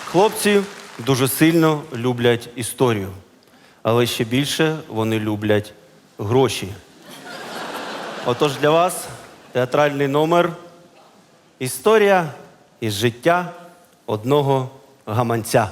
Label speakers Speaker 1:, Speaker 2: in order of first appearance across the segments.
Speaker 1: Хлопці дуже сильно люблять історію, але ще більше вони люблять гроші. Отож для вас театральний номер «Історія із життя одного гаманця».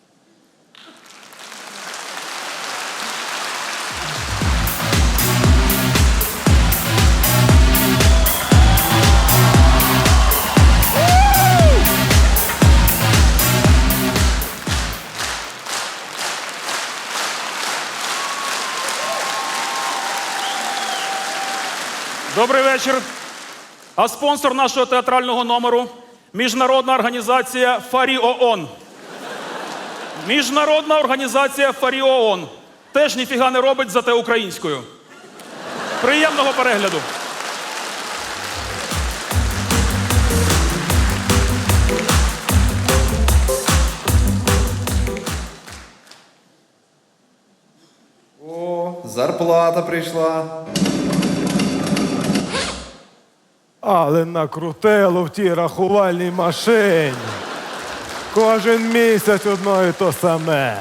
Speaker 2: Добрий вечір. А спонсор нашого театрального номеру – міжнародна організація Фарі ООН. Міжнародна організація Фарі ООН. Теж ніфіга не робить, зате українською. Приємного перегляду.
Speaker 3: О, зарплата прийшла.
Speaker 4: Але накрутило в тій рахувальній машині. Кожен місяць одно і то саме.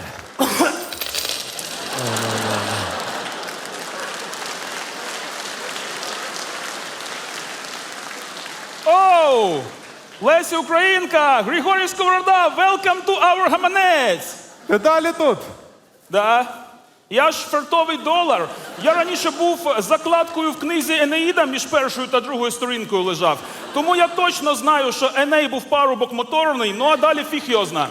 Speaker 2: Оу! Леся Українка! Григорій Сковорода! Welcome to our гаманець!
Speaker 4: Ти далі тут?
Speaker 2: Да. Я ж фартовий долар. Я раніше був закладкою в книзі Енеїда між першою та другою сторінкою лежав. Тому я точно знаю, що Еней був парубок моторний, ну а далі фіг його зна.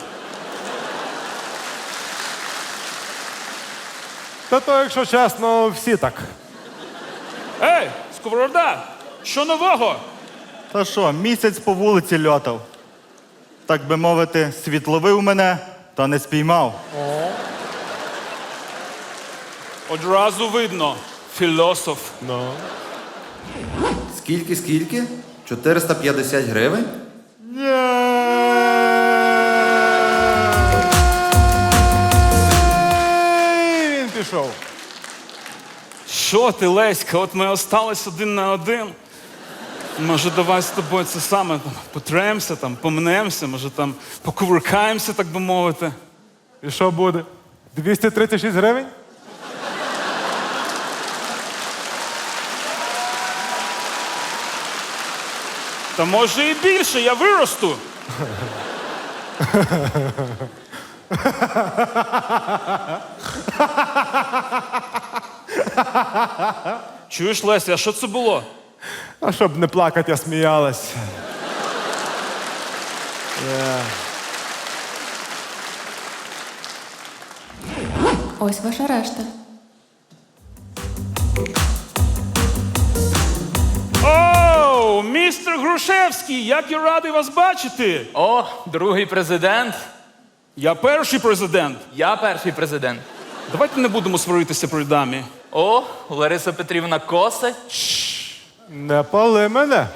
Speaker 4: Та то, якщо чесно, всі так.
Speaker 2: Ей, Сковорода, що нового?
Speaker 5: Та що, місяць по вулиці льотав. Так би мовити, світловив мене, та не спіймав.
Speaker 2: Одразу видно. Філософ.
Speaker 3: Скільки? 450 гривень?
Speaker 4: І він пішов.
Speaker 2: Що ти, Леська, от ми остались один на один. Може, давай з тобою це саме там, потремся, там, помнемося, може там покувыркаємося, так би мовити.
Speaker 4: І що буде? 236 гривень?
Speaker 2: Та може і більше, я виросту. Чуєш, Леся, а що це було?
Speaker 4: А щоб не плакати, я сміялась.
Speaker 6: Ось ваша решта.
Speaker 2: Оу, містер Грушевський, як я радий вас бачити.
Speaker 7: О, другий президент.
Speaker 2: Я перший президент.
Speaker 7: Я перший президент.
Speaker 2: Давайте не будемо сваритися при дамі.
Speaker 7: О, Лариса Петрівна коса.
Speaker 4: Не пали мене.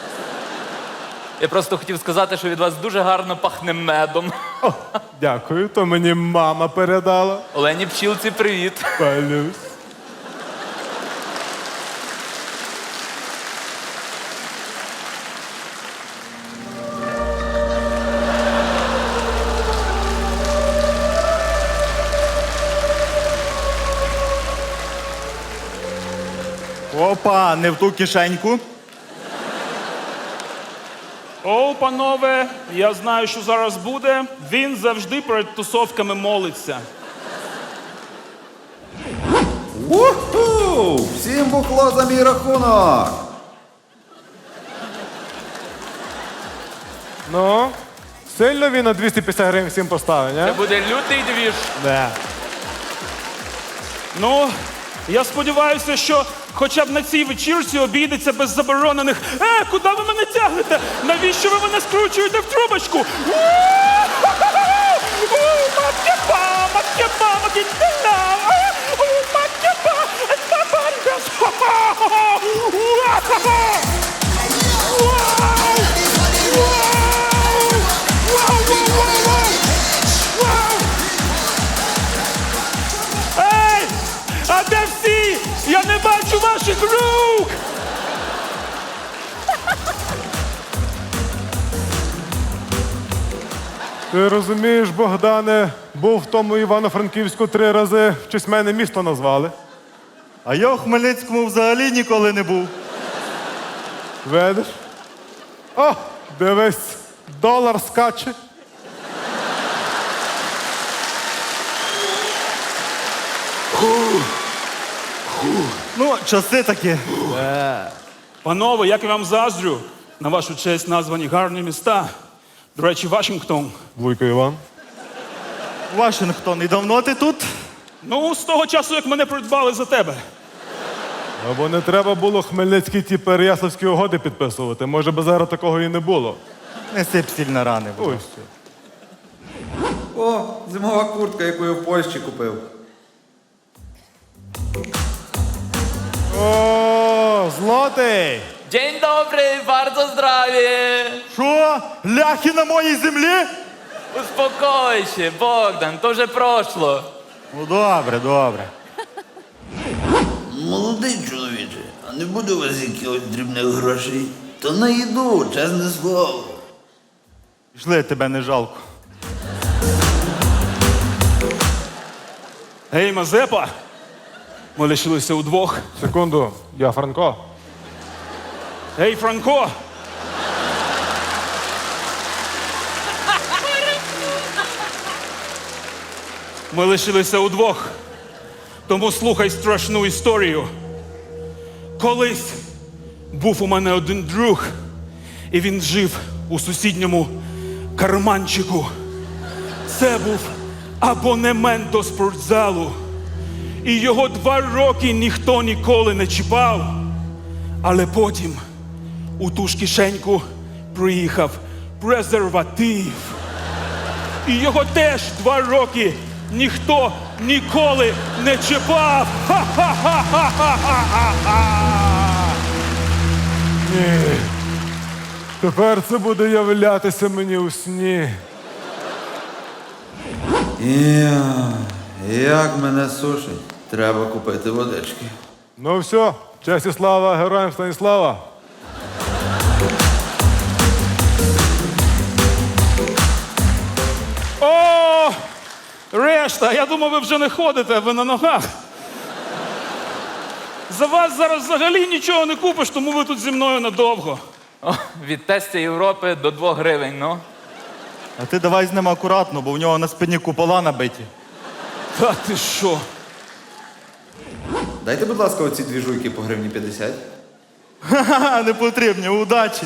Speaker 7: Я просто хотів сказати, що від вас дуже гарно пахне медом.
Speaker 4: О, дякую, то мені мама передала.
Speaker 7: Олені Пчілці, привіт.
Speaker 4: Палюсь.
Speaker 5: Опа, не в ту кишеньку.
Speaker 2: Оу, панове, я знаю, що зараз буде. Він завжди перед тусовками молиться.
Speaker 3: Уху! Всім бухло за мій рахунок!
Speaker 4: Ну, сильно він на 250 гривень всім поставив,
Speaker 7: Це
Speaker 4: не?
Speaker 7: буде лютий двіж.
Speaker 4: Не.
Speaker 2: Ну, я сподіваюся, що хоча б на цій вечірці обійдеться без заборонених куди ви мене тягнете? Навіщо ви мене скручуєте в трубочку? Ей! А де всі? Я не бачу ваших рук!
Speaker 4: Ти розумієш, Богдане, був в тому Івано-Франківську 3 рази, в честь мене місто назвали.
Speaker 5: А я у Хмельницькому взагалі ніколи не був.
Speaker 4: Видиш? О, дивись, долар скаче.
Speaker 5: Ну, часи такі.
Speaker 2: Панове, як я вам заздрю, на вашу честь названі гарні міста. До речі, Вашингтон.
Speaker 4: Вуйко Іван.
Speaker 5: Вашингтон, і давно ти тут?
Speaker 2: Ну, з того часу, як мене придбали за тебе.
Speaker 4: Або не треба було Хмельницькі ті Переяславські угоди підписувати. Може би зараз такого і не було.
Speaker 5: Не сип сіль на рани. будь ласка.
Speaker 4: Ось.
Speaker 3: О, зимова куртка, яку я в Польщі купив.
Speaker 4: О, злотий!
Speaker 7: День добрий, bardzo здраві!
Speaker 5: Що? Ляхи на моїй землі?
Speaker 7: Успокойся, Богдан, то вже прошло.
Speaker 5: Ну, добре, добре.
Speaker 8: Молодий чоловіче, а не буде у вас якихось дрібних грошей? То на їду, чесне слово.
Speaker 5: Пішли, тебе не жалко.
Speaker 2: Гей, Мазепа! Ми лишилися удвох.
Speaker 4: Секунду, я Франко.
Speaker 2: Гей, Франко! Ми лишилися удвох. Тому слухай страшну історію. Колись був у мене один друг, і він жив у сусідньому карманчику. Це був абонемент до спортзалу. І його 2 роки ніхто ніколи не чіпав. Але потім у ту ж кишеньку приїхав презерватив. І його теж 2 роки ніхто ніколи не чіпав. Ха-ха-ха-ха-ха-ха-ха!
Speaker 4: Ні. Тепер це буде являтися мені у сні.
Speaker 3: Як мене сушить. Треба купити водички.
Speaker 4: Ну все, честь і слава героям Станіслава.
Speaker 2: О! Решта! Я думав, ви вже не ходите, ви на ногах. За вас зараз взагалі нічого не купиш, тому ви тут зі мною надовго.
Speaker 7: О, від тестя Європи до 2 гривень, ну.
Speaker 5: А ти давай з ним акуратно, бо в нього на спині купола набиті.
Speaker 2: Та ти що?
Speaker 3: Дайте, будь ласка, оці 2 жуйки по гривні 50.
Speaker 5: Ха-ха, не потрібні, удачі.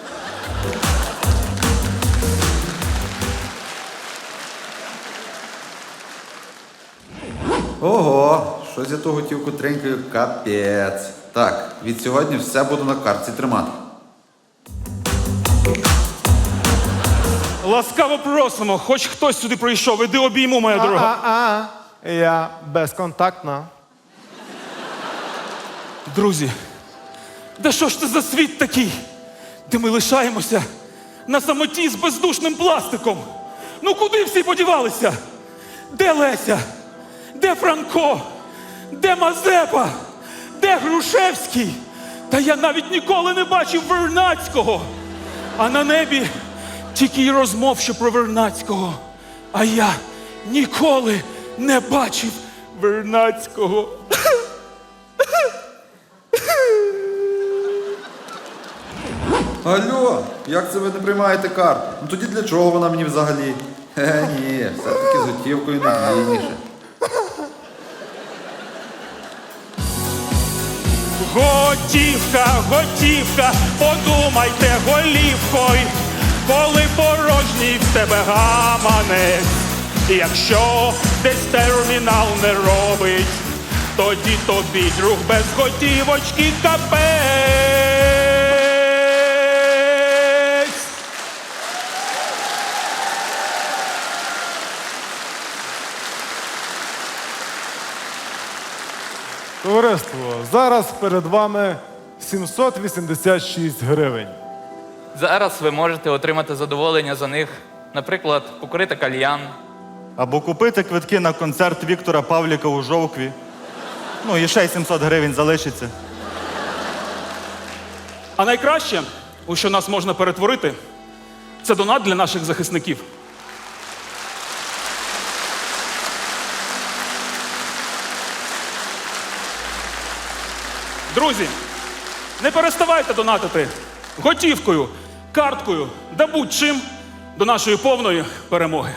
Speaker 3: Ого, щось я ту готівку тренькаю, капець. Так, від сьогодні все буду на картці тримати.
Speaker 2: Ласкаво просимо, хоч хтось сюди прийшов, іди обійму, моя дорога.
Speaker 4: Я безконтактна.
Speaker 2: Друзі, да що ж це за світ такий, де ми лишаємося на самоті з бездушним пластиком? Ну куди всі подівалися? Де Леся? Де Франко? Де Мазепа? Де Грушевський? Та я навіть ніколи не бачив Вернадського. А на небі тільки й розмов, що про Вернадського. А я ніколи не бачив Вернадського.
Speaker 3: Алло, як це ви не приймаєте карту? Ну тоді для чого вона мені взагалі? Ні, все-таки з готівкою надійніше.
Speaker 2: Готівка, готівка, подумайте голівкою, коли порожній в тебе гаманець. Якщо десь термінал не робить, тоді тобі, друг, без готівочки капець.
Speaker 4: Товариство, зараз перед вами 786 гривень.
Speaker 7: Зараз ви можете отримати задоволення за них, наприклад, покурити кальян.
Speaker 5: Або купити квитки на концерт Віктора Павліка у Жовкві. Ну і ще й 700 гривень залишиться.
Speaker 2: А найкраще, у що нас можна перетворити, це донат для наших захисників. Друзі, не переставайте донатити готівкою, карткою да будь-чим до нашої повної перемоги.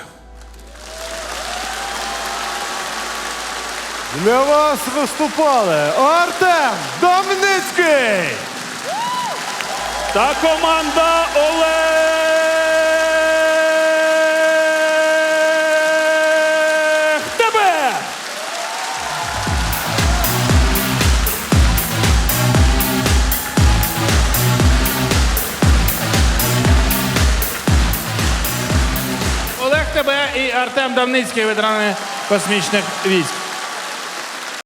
Speaker 4: Для вас виступали Артем Домницький,
Speaker 2: Та команда Олег Тебе!
Speaker 9: Олег Тебе і Артем Давницький, ветерани космічних військ.